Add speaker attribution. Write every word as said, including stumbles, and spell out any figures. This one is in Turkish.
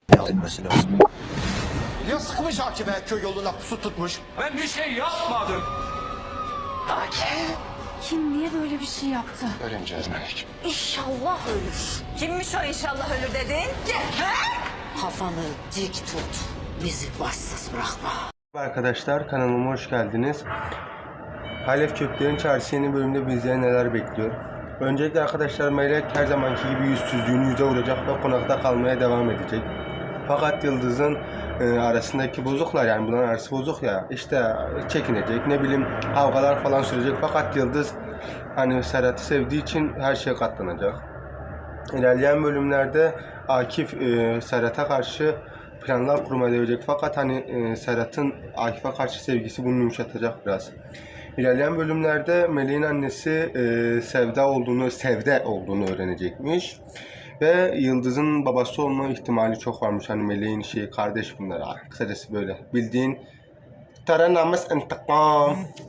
Speaker 1: etmesi lazım.
Speaker 2: Ya sıkmış hakime köy yoluna pusu tutmuş.
Speaker 3: Ben bir şey yapmadım.
Speaker 4: Kim niye böyle bir şey yaptı?
Speaker 2: Öğreneceğiz Melek.
Speaker 4: İnşallah ölür.
Speaker 5: Kimmiş o inşallah ölür dedin?
Speaker 4: Kafanı dik tut. Bizi başsız bırakma.
Speaker 6: Arkadaşlar kanalıma hoş geldiniz. Halef Köklerin Çarşı yeni bölümde bizleri neler bekliyor? Öncelikle arkadaşlar Melek her zamanki gibi yüzsüzlüğünü yüze vuracak ve konakta kalmaya devam edecek. Fakat Yıldız'ın e, arasındaki bozuklar, yani bunların arası bozuk ya, işte çekinecek, ne bileyim kavgalar falan sürecek. Fakat Yıldız hani Serhat'ı sevdiği için her şeye katlanacak. İlerleyen bölümlerde Akif e, Serhat'a karşı planlar kurmaya devirecek. Fakat hani e, Serhat'ın Akif'e karşı sevgisi bunu yumuşatacak biraz. İlerleyen bölümlerde Melek'in annesi e, Sevda olduğunu, Sevde olduğunu öğrenecekmiş. Ve Yıldız'ın babası olma ihtimali çok varmış. Hani Melek'in şeyi, kardeş bunlar. Kısacası böyle bildiğin Tara namus intikam.